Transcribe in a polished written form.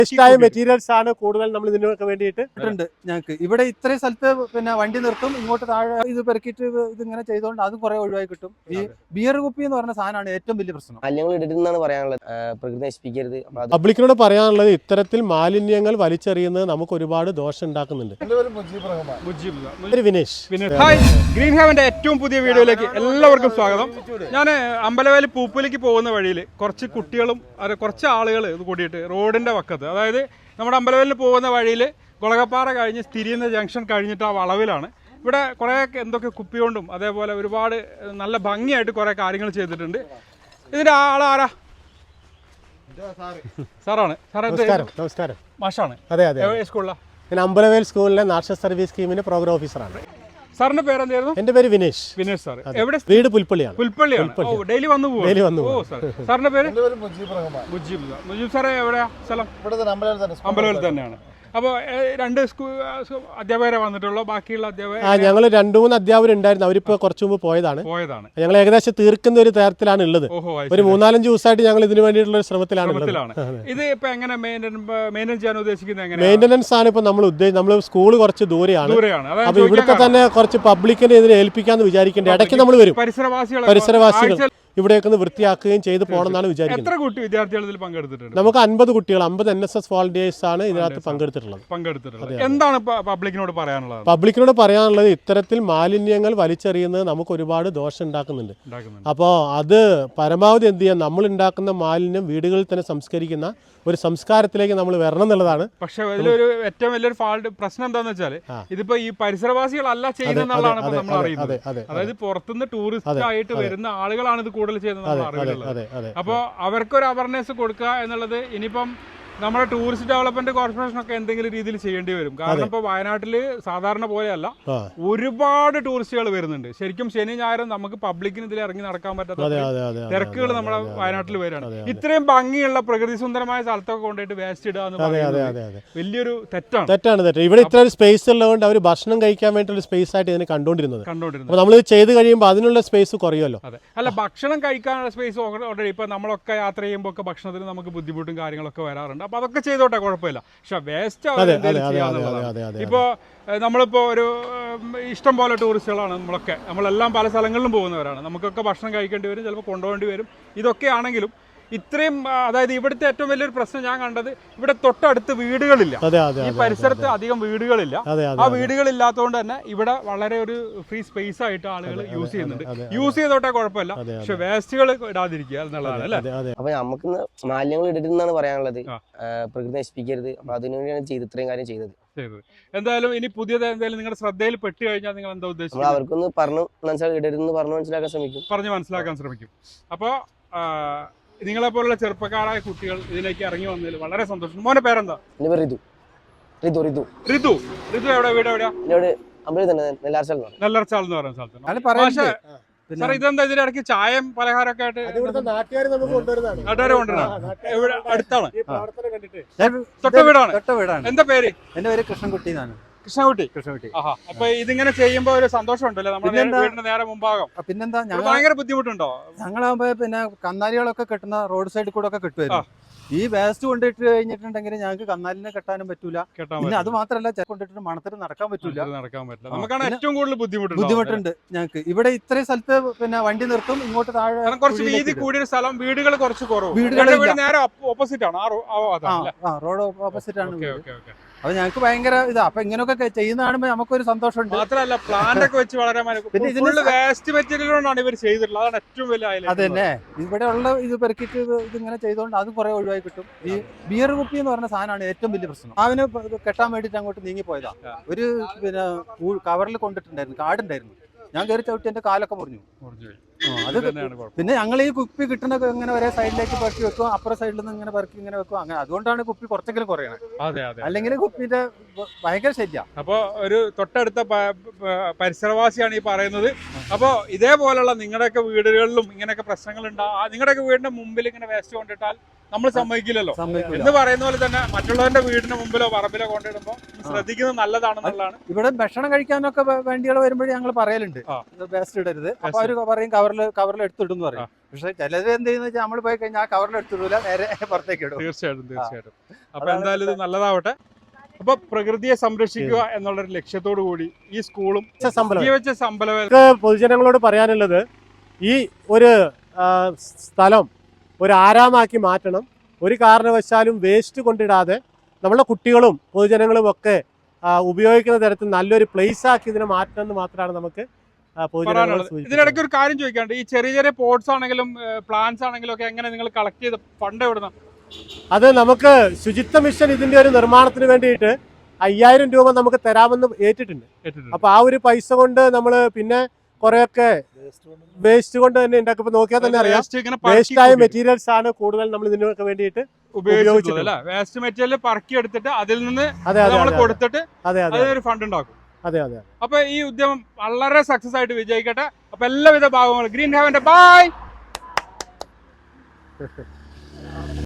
ഇഷ്ടമായ മെറ്റീരിയൽസ് ആണ് കൂടുതൽ നമ്മൾ ഇതിനൊക്കെ വേണ്ടിയിട്ട് ഞങ്ങൾക്ക് ഇവിടെ ഇത്രയും സ്ഥലത്ത് പിന്നെ വണ്ടി നിർത്തും, ഇങ്ങോട്ട് താഴെ ഇത് പെറുക്കിയിട്ട് ഇതിങ്ങനെ ചെയ്തുകൊണ്ട് അത് കുറെ ഒഴിവായി കിട്ടും. ഈ ബിയർ കുപ്പി എന്ന് പറഞ്ഞ സാധനമാണ് ഏറ്റവും വലിയ പ്രശ്നം. മാലിന്യങ്ങൾ ഇടരുതെന്നാണ് പറയാനുള്ളത്, പ്രകൃതി നശിപ്പിക്കരുത്. പബ്ലിക്കിനോട് പറയാനുള്ളത് ഇത്തരത്തിൽ മാലിന്യങ്ങൾ വലിച്ചെറിയുന്നത് നമുക്ക് ഒരുപാട് ദോഷം ഉണ്ടാക്കുന്നുണ്ട്. വിനേഷ്, ഹായ്, ഗ്രീൻ ഹെവന്റെ ഏറ്റവും പുതിയ വീഡിയോയിലേക്ക് എല്ലാവർക്കും സ്വാഗതം. ഞാൻ അമ്പലവേലി പൂപ്പലിക്ക് പോകുന്ന വഴിയിൽ കുറച്ച് കുട്ടികളും കുറച്ച് ആളുകൾ ഇത് കൂടിയിട്ട് റോഡിന്റെ വക്കത്ത്, അതായത് നമ്മുടെ അമ്പലവേലിന് പോകുന്ന വഴിയിൽ ഗുളകപ്പാറ കഴിഞ്ഞ് തിരിയുന്ന ജംഗ്ഷൻ കഴിഞ്ഞിട്ട് ആ വളവിലാണ്. ഇവിടെ കുറേ എന്തൊക്കെ കുപ്പി കൊണ്ടും അതേപോലെ ഒരുപാട് നല്ല ഭംഗിയായിട്ട് കുറേ കാര്യങ്ങൾ ചെയ്തിട്ടുണ്ട്. ഇതിന്റെ ആളാരാ? സാറാണ്. നമസ്കാരം. മാഷാണ്. അതെ അതെ. സ്കൂളിലാ? ഞാൻ അമ്പലവേൽ സ്കൂളിലെ നാഷണൽ സർവീസ് സ്കീമിന്റെ പ്രോഗ്രാം ഓഫീസറാണ്. സാറിന്റെ പേരെന്തായിരുന്നു? എന്റെ പേര് വിനേഷ്. വിനേഷ് സാർ. എവിടെ? വീട് പുൽപ്പള്ളിയാണ്. ഡെയിലി വന്നു പോകും. സാറിന്റെ പേര്? മുജീബ് സാറേ, എവിടെയാ സ്ഥലം? അമ്പലവേൽ തന്നെയാണ്. അപ്പോൾ രണ്ട് അധ്യാപകരെ വന്നിട്ടുള്ളൂ, ബാക്കിയുള്ള അധ്യാപകർ? ഞങ്ങൾ 2-3 അധ്യാപകരുണ്ടായിരുന്നു, അവരിപ്പോ കുറച്ചു മുമ്പ് പോയതാണ്. ഞങ്ങൾ ഏകദേശം തീർക്കുന്ന ഒരു തരത്തിലാണ് ഉള്ളത്. ഒരു 3-4 ദിവസമായിട്ട് ഞങ്ങൾ ഇതിനു വേണ്ടിയിട്ടുള്ള ഒരു ശ്രമത്തിലാണ്. ഇത് ഇപ്പൊ എങ്ങനെ മെയിൻ്റെനൻസ് ചെയ്യാൻ ഉദ്ദേശിക്കുന്നത്? മെയിൻ്റെനൻസ് ആണ് ഇപ്പൊ നമ്മൾ സ്കൂൾ കുറച്ച് ദൂരെയാണ്. അപ്പൊ ഇവിടുത്തെ തന്നെ കുറച്ച് പബ്ലിക്കിനെ ഇതിനെ ഏൽപ്പിക്കാന്ന് വിചാരിക്കേണ്ടത്. ഇടയ്ക്ക് നമ്മൾ വരും, പരിസരവാസികൾ ഇവിടെയൊക്കെ ഒന്ന് വൃത്തിയാക്കുകയും ചെയ്ത് പോകണമെന്നാണ് വിചാരിക്കുന്നത്. നമുക്ക് 50 കുട്ടികൾ, 50 NSS വോളണ്ടിയേഴ്സ് ആണ് ഇതിനകത്ത് പങ്കെടുത്തിട്ടുള്ളത്. എന്താണ് പബ്ലിക്കിനോട് പറയാനുള്ളത്? പബ്ലിക്കിനോട് പറയാനുള്ളത് ഇത്തരത്തിൽ മാലിന്യങ്ങൾ വലിച്ചെറിയുന്നത് നമുക്ക് ഒരുപാട് ദോഷം ഉണ്ടാക്കുന്നുണ്ട്. അപ്പോൾ അത് പരമാവധി എന്ത് ചെയ്യാം, നമ്മൾ ഉണ്ടാക്കുന്ന മാലിന്യം വീടുകളിൽ തന്നെ സംസ്കരിക്കുന്ന ഒരു സംസ്കാരത്തിലേക്ക് നമ്മൾ വരണം എന്നുള്ളതാണ്. പക്ഷെ അതിലൊരു ഏറ്റവും വലിയൊരു പ്രശ്നം എന്താണെന്ന് വെച്ചാൽ, ഇതിപ്പോ ഈ പരിസരവാസികളല്ല ചെയ്യുന്നതാണ് നമ്മൾ അറിയുന്നത്. അതായത് പുറത്തുനിന്ന് ടൂറിസ്റ്റ് ആയിട്ട് വരുന്ന ആളുകളാണ് ഇത് കൂടുതൽ ചെയ്യുന്നത് അറിയുന്നത്. അപ്പോൾ അവർക്കൊരു അവയർനെസ് കൊടുക്കുക എന്നുള്ളത് ഇനിയിപ്പം നമ്മുടെ ടൂറിസ്റ്റ് ഡെവലപ്മെന്റ് കോർപ്പറേഷൻ ഒക്കെ എന്തെങ്കിലും രീതിയിൽ ചെയ്യേണ്ടി വരും. കാരണം ഇപ്പൊ വയനാട്ടില് സാധാരണ പോലെയല്ല, ഒരുപാട് ടൂറിസ്റ്റുകൾ വരുന്നുണ്ട്. ശരിക്കും ശനി ഞായറും നമുക്ക് പബ്ലിക്കിന് ഇതിൽ ഇറങ്ങി നടക്കാൻ പറ്റാത്ത തിരക്കുകൾ നമ്മുടെ വയനാട്ടിൽ വരികയാണ്. ഇത്രയും ഭംഗിയുള്ള പ്രകൃതി സുന്ദരമായ സ്ഥലത്തൊക്കെ കൊണ്ടുപോയിട്ട് വേസ്റ്റ് ഇടുക എന്ന് പറയുന്നത് വലിയൊരു തെറ്റാണ്. ഇവിടെ ഇത്ര ഒരു സ്പേസ് ഉള്ളതുകൊണ്ട് അവർ ഭക്ഷണം കഴിക്കാൻ വേണ്ടിയുള്ള സ്പേസ് ആയിട്ട് ഇതിനെ കണ്ടോണ്ടിരുന്നത്. നമ്മൾ ചെയ്ത് കഴിയുമ്പോൾ അതിനുള്ള സ്പേസ് കുറയുമല്ലോ. അല്ല, ഭക്ഷണം കഴിക്കാനുള്ള സ്പേസ് ഓൾറെഡി ഇപ്പൊ നമ്മളൊക്കെ യാത്ര ചെയ്യുമ്പോൾ ഒക്കെ ഭക്ഷണത്തിന് നമുക്ക് ബുദ്ധിമുട്ടും കാര്യങ്ങളൊക്കെ വരാറുണ്ട്. അപ്പൊ അതൊക്കെ ചെയ്തോട്ടെ, കുഴപ്പമില്ല. പക്ഷെ വേസ്റ്റ് ഇപ്പോ നമ്മളിപ്പോ ഒരു ഇഷ്ടം പോലെ ടൂറിസ്റ്റുകളാണ് നമ്മളെല്ലാം പല സ്ഥലങ്ങളിലും പോകുന്നവരാണ്. നമുക്കൊക്കെ ഭക്ഷണം കഴിക്കേണ്ടി വരും, ചിലപ്പോൾ കൊണ്ടുപോകേണ്ടി വരും. ഇതൊക്കെ ആണെങ്കിലും ഇത്രയും, അതായത് ഇവിടുത്തെ ഏറ്റവും വലിയൊരു പ്രശ്നം ഞാൻ കണ്ടത്, ഇവിടെ തൊട്ടടുത്ത് വീടുകളില്ല. ഈ പരിസരത്ത് അധികം വീടുകളില്ല. ആ വീടുകളില്ലാത്തതുകൊണ്ട് തന്നെ ഇവിടെ വളരെ ഒരു ഫ്രീ സ്പേസ് ആയിട്ട് ആളുകൾ യൂസ് ചെയ്യുന്നുണ്ട്. യൂസ് ചെയ്തോട്ടെ, കുഴപ്പമില്ല. പക്ഷെ വേസ്റ്റുകൾ ഇടാതിരിക്കുക എന്നുള്ളതാണ് അല്ലേ? അപ്പൊ നമുക്ക് മാലിന്യങ്ങൾ ഇടരുതെന്നാണ് പറയാനുള്ളത്, പ്രകൃതി നശിപ്പിക്കരുത്. അപ്പൊ അതിനുവേണ്ടിയാണ് ഇത്രയും കാര്യം ചെയ്തത്. എന്തായാലും ഇനി പുതിയത് എന്തായാലും നിങ്ങളുടെ ശ്രദ്ധയിൽ പെട്ട് കഴിഞ്ഞാൽ നിങ്ങൾ എന്താ ഉദ്ദേശിച്ചത്? അവർക്കൊന്ന് ഇടരുതെന്ന് പറഞ്ഞ് മനസ്സിലാക്കാൻ ശ്രമിക്കും. അപ്പൊ നിങ്ങളെ പോലുള്ള ചെറുപ്പക്കാരായ കുട്ടികൾ ഇതിലേക്ക് ഇറങ്ങി വന്നതിൽ വളരെ സന്തോഷം. മോനെ പേരെന്താ? ഋതു. എവിടെ? വീട് എവിടെയാ? നെല്ലാർച്ചാൽ എന്ന് പറയുന്ന സ്ഥലത്ത്. സാർ, ഇതെന്താ ഇതിന്റെ ഇടയ്ക്ക് ചായയും പലഹാരമൊക്കെ ആയിട്ട് നാട്ടുകാർ കൊണ്ടുവരുന്നതാണ്? എവിടെ? അടുത്താണ്? തൊട്ട വീടാണ്. എന്താ പേര്? എന്റെ പേര് കൃഷ്ണൻകുട്ടി. കൃഷ്ണകുട്ടി. അപ്പൊ ഇതിങ്ങനെ ചെയ്യുമ്പോ ഒരു സന്തോഷം ഉണ്ടല്ലോ നമ്മുടെ വീടിന്റെ നേരെ മുമ്പാകം. പിന്നെന്താ, ഭയങ്കര ബുദ്ധിമുട്ടുണ്ടോ? ഞങ്ങളാകുമ്പോ പിന്നെ കന്നാലികളൊക്കെ കെട്ടുന്ന റോഡ് സൈഡിൽ കൂടെ ഒക്കെ കെട്ടുമായിരുന്നു. ഈ വേസ്റ്റ് കൊണ്ടിട്ട് കഴിഞ്ഞിട്ടുണ്ടെങ്കിൽ ഞങ്ങൾക്ക് കന്നാലിനെ കെട്ടാനും പറ്റൂല. പിന്നെ അത് മാത്രമല്ല, കൊണ്ടിട്ട് മണത്തിൽ നടക്കാൻ പറ്റില്ല. നമുക്കാണ് ഏറ്റവും കൂടുതൽ ബുദ്ധിമുട്ടുണ്ട് ഞങ്ങൾക്ക്. ഇവിടെ ഇത്രയും സ്ഥലത്ത് പിന്നെ വണ്ടി നിർത്തും, ഇങ്ങോട്ട് താഴെ കുറച്ച് വീതി കൂടിയ സ്ഥലം, വീടുകൾ കുറച്ച് കുറവ്. വീടുകൾ നേരെ ഓപ്പോസിറ്റ് ആണ്, റോഡ് ഓപ്പോസിറ്റ് ആണ്. അപ്പൊ ഞങ്ങൾക്ക് ഭയങ്കര ഇതാ. അപ്പൊ ഇങ്ങനെയൊക്കെ ചെയ്യുന്ന കാണുമ്പോൾ നമുക്കൊരു സന്തോഷമുണ്ട്. മാത്രമല്ല, പ്ലാന്റ് ഒക്കെ വെച്ച് വളരെ വേസ്റ്റ് മെറ്റീരിയൽ കൊണ്ടാണ് ഇവർ ചെയ്തിട്ടുള്ളത്. അതാണ് ഏറ്റവും വലിയ. അതന്നെ, ഇവിടെ ഉള്ള ഇത് പെറുക്കിട്ട് ഇതിങ്ങനെ ചെയ്തുകൊണ്ട് അത് കുറെ ഒഴിവായി കിട്ടും. ഈ ബിയർ കുപ്പി എന്ന് പറഞ്ഞ സാധനമാണ് ഏറ്റവും വലിയ പ്രശ്നം. അവന് കെട്ടാൻ വേണ്ടിട്ട് അങ്ങോട്ട് നീങ്ങിപ്പോയതാ. ഒരു പിന്നെ കവറിൽ കൊണ്ടിട്ടുണ്ടായിരുന്നു, കാടുണ്ടായിരുന്നു. ഞാൻ കയറി ചവിട്ടി എന്റെ കാലൊക്കെ മുറിഞ്ഞു. അത് പിന്നെ ഞങ്ങൾ ഈ കുപ്പി കിട്ടുന്ന ഇങ്ങനെ ഒരേ സൈഡിലേക്ക് പെറുക്കി വെക്കും, അപ്പുറ സൈഡിൽ നിന്ന് ഇങ്ങനെ പെറുക്കി ഇങ്ങനെ വെക്കും. അങ്ങനെ അതുകൊണ്ടാണ് കുപ്പി കുറച്ചെങ്കിലും കുറയണത്. അല്ലെങ്കിൽ കുപ്പിന്റെ ഭയങ്കര ശല്യ. അപ്പൊ ഒരു തൊട്ടടുത്ത പരിസരവാസിയാണ് ഈ പറയുന്നത്. അപ്പൊ ഇതേപോലുള്ള നിങ്ങളുടെയൊക്കെ വീടുകളിലും ഇങ്ങനെയൊക്കെ പ്രശ്നങ്ങൾ ഉണ്ടാവും. നിങ്ങളുടെയൊക്കെ വീടിന്റെ മുമ്പിൽ ഇങ്ങനെ വേസ്റ്റ് കൊണ്ടിട്ടാൽ നമ്മൾ സമ്മതിക്കില്ലല്ലോ. എന്ന് പറയുന്ന പോലെ തന്നെ മറ്റുള്ളവരുടെ വീടിന് മുമ്പിലോ പറമ്പിലോ കൊണ്ടിടുമ്പോൾ ശ്രദ്ധിക്കുന്നത് നല്ലതാണെന്നുള്ളതാണ്. ഇവിടെ ഭക്ഷണം കഴിക്കാനൊക്കെ വേണ്ടിയുള്ള വരുമ്പോഴേ ഞങ്ങൾ പറയലുണ്ട് വേസ്റ്റ് ഇടരുത്. അപ്പൊ അവര് പറയും കവർ കവറിൽ എടുത്തിടും എന്ന് പറയും. പക്ഷെ ചിലത് എന്ത് ചെയ്യുന്ന വെച്ചാൽ നമ്മൾ പോയി കഴിഞ്ഞാൽ ആ കവറിൽ എടുത്തിടൂല, നേരെ പുറത്തേക്ക് ഇടും. തീർച്ചയായിട്ടും. അപ്പൊ എന്തായാലും ഇത് നല്ലതാവട്ടെ. അപ്പൊ പ്രകൃതിയെ സംരക്ഷിക്കുക എന്നുള്ളൊരു ലക്ഷ്യത്തോടു കൂടി ഈ സ്കൂളും പൊതുജനങ്ങളോട് പറയാനുള്ളത്, ഈ ഒരു സ്ഥലം ഒരു ആരാമാക്കി മാറ്റണം. ഒരു കാരണവശാലും വേസ്റ്റ് കൊണ്ടിടാതെ നമ്മളെ കുട്ടികളും പൊതുജനങ്ങളും ഒക്കെ ഉപയോഗിക്കുന്ന തരത്തിൽ നല്ലൊരു പ്ലേസ് ആക്കി ഇതിനെ മാറ്റണം എന്ന് മാത്രമാണ് നമുക്ക് ഇതിനിടയ്ക്ക് ഒരു കാര്യം ചോദിക്കാണ്ട്, ഈ ചെറിയ ചെറിയ പോട്ട്സ് ആണെങ്കിലും പ്ലാന്റ്സ് ആണെങ്കിലും ഒക്കെ എങ്ങനെ നിങ്ങൾ കളക്ട് ചെയ്ത് ഫണ്ട് എവിടുന്ന? അത് നമുക്ക് ശുചിത്വ മിഷൻ ഇതിന്റെ ഒരു നിർമ്മാണത്തിന് വേണ്ടിയിട്ട് 5000 രൂപ നമുക്ക് തരാമെന്ന് ഏറ്റിട്ടുണ്ട്. അപ്പൊ ആ ഒരു പൈസ കൊണ്ട് നമ്മൾ പിന്നെ കുറെയൊക്കെ വേസ്റ്റ് കൊണ്ട് തന്നെ ഉണ്ടാക്കുമ്പോൾ നോക്കിയാൽ തന്നെ അറിയാം, വേസ്റ്റ് ആയ മെറ്റീരിയൽസ് ആണ് കൂടുതൽ നമ്മൾ ഇതിനൊക്കെ വേണ്ടിയിട്ട് ഉപയോഗിച്ചിട്ടുള്ളത്. വേസ്റ്റ് മെറ്റീരിയൽ പറക്കി എടുത്തിട്ട് അതിൽ നിന്ന് കൊടുത്തിട്ട് അതിനൊരു ഫണ്ട് ഉണ്ടാക്കും. അപ്പൊ ഈ ഉദ്യമം വളരെ സക്സസ് ആയിട്ട് വിജയിക്കട്ടെ. അപ്പൊ എല്ലാവിധ ഭാഗങ്ങളും ഗ്രീൻ ഹെവന്റെ ബൈ.